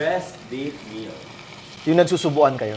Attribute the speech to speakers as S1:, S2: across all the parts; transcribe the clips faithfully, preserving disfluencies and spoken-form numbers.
S1: Best date meal.
S2: Yung nagsusubuan kayo.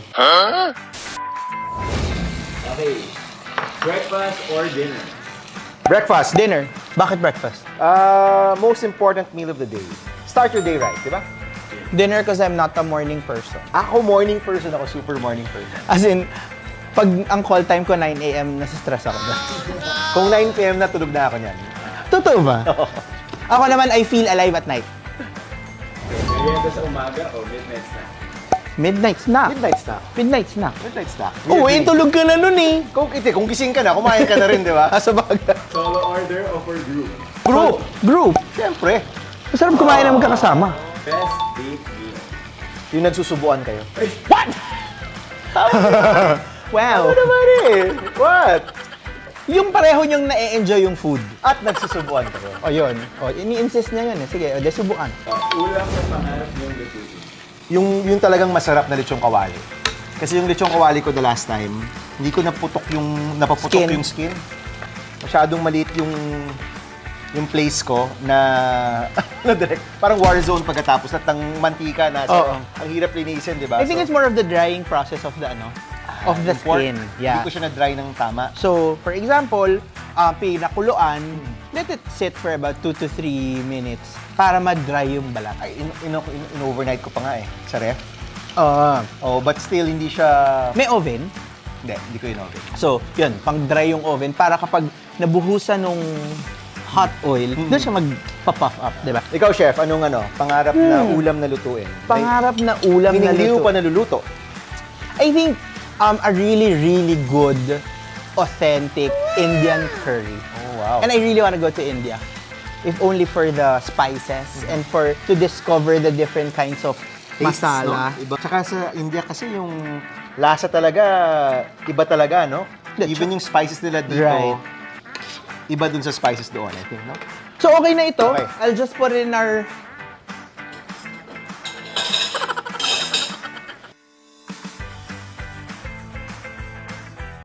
S1: Okay. Breakfast or dinner?
S2: Breakfast.
S3: Dinner. Bakit breakfast?
S2: Uh, most important meal of the day. Start your day right, di ba?
S3: Dinner because I'm not a morning person.
S2: Ako morning person, ako super morning person.
S3: As in, pag ang call time ko nine a m, nasa-stress ako.
S2: Kung nine p m na, tulog na ako niyan.
S3: Totoo ba? Ako naman, I feel alive at night.
S1: Merienda sa umaga o midnight snack?
S3: Midnight snack.
S2: Midnight snack.
S3: Midnight snack.
S2: Midnight snack.
S3: Oo, eh, tulog ka na nun eh.
S2: Kung, iti, kung gising ka na, kumain ka na rin, di ba?
S3: Sa bagay.
S1: Solo order o for group?
S3: Group. Group.
S2: Siyempre.
S3: Masarap kumain na magkakasama.
S1: Best date meal?
S2: Yung nagsusubuan kayo.
S3: What? Wow.
S2: Ano naman eh? What?
S3: Yung pareho niyong na-enjoy yung food.
S2: At nagsusubuan kayo.
S3: O yun. O, ini-insist niya yun eh. Sige, o, de subukan.
S1: Uh, ulam na pangarap niyong lutuin?
S2: Yung, yung talagang masarap na lechong kawali. Kasi yung lechong kawali ko the last time, hindi ko naputok yung, napaputok
S3: Skin.
S2: yung skin. Masyadong maliit yung yung place ko na, na direct, parang war zone pagkatapos at ng mantika na
S3: Oo.
S2: ang hirap linisin, di ba?
S3: I think it's more of the drying process of the ano, of the
S2: yung pork,
S3: skin. Yeah.
S2: Hindi ko siya na-dry ng tama.
S3: So, for example, uh, pinakuluan, let it sit for about two to three minutes para ma-dry yung balat.
S2: Ay, in, in, in, in overnight ko pa nga eh, sa ref.
S3: Uh,
S2: Oh, but still, hindi siya...
S3: may oven.
S2: Hindi, hindi ko in-oven.
S3: So, yun, pang-dry yung oven para kapag nabuhusan nung hot oil, doon siya magpa-puff up, di ba?
S2: Ikaw, chef, anong ano, pangarap na ulam na lutuin?
S3: Pangarap na ulam
S2: Meaning,
S3: na
S2: hindi mo
S3: luto.
S2: pa naluluto.
S3: I think um, a really, really good, authentic Indian curry.
S2: Oh, wow.
S3: And I really want to go to India. If only for the spices and for to discover the different kinds of
S2: Tastes,
S3: masala.
S2: no? Iba. Tsaka sa India kasi yung lasa talaga, iba talaga, no?
S3: Yeah,
S2: Even yung spices nila dito,
S3: Right.
S2: iba dun sa spices doon, I think, no?
S3: So okay na ito.
S2: Okay.
S3: I'll just put it in our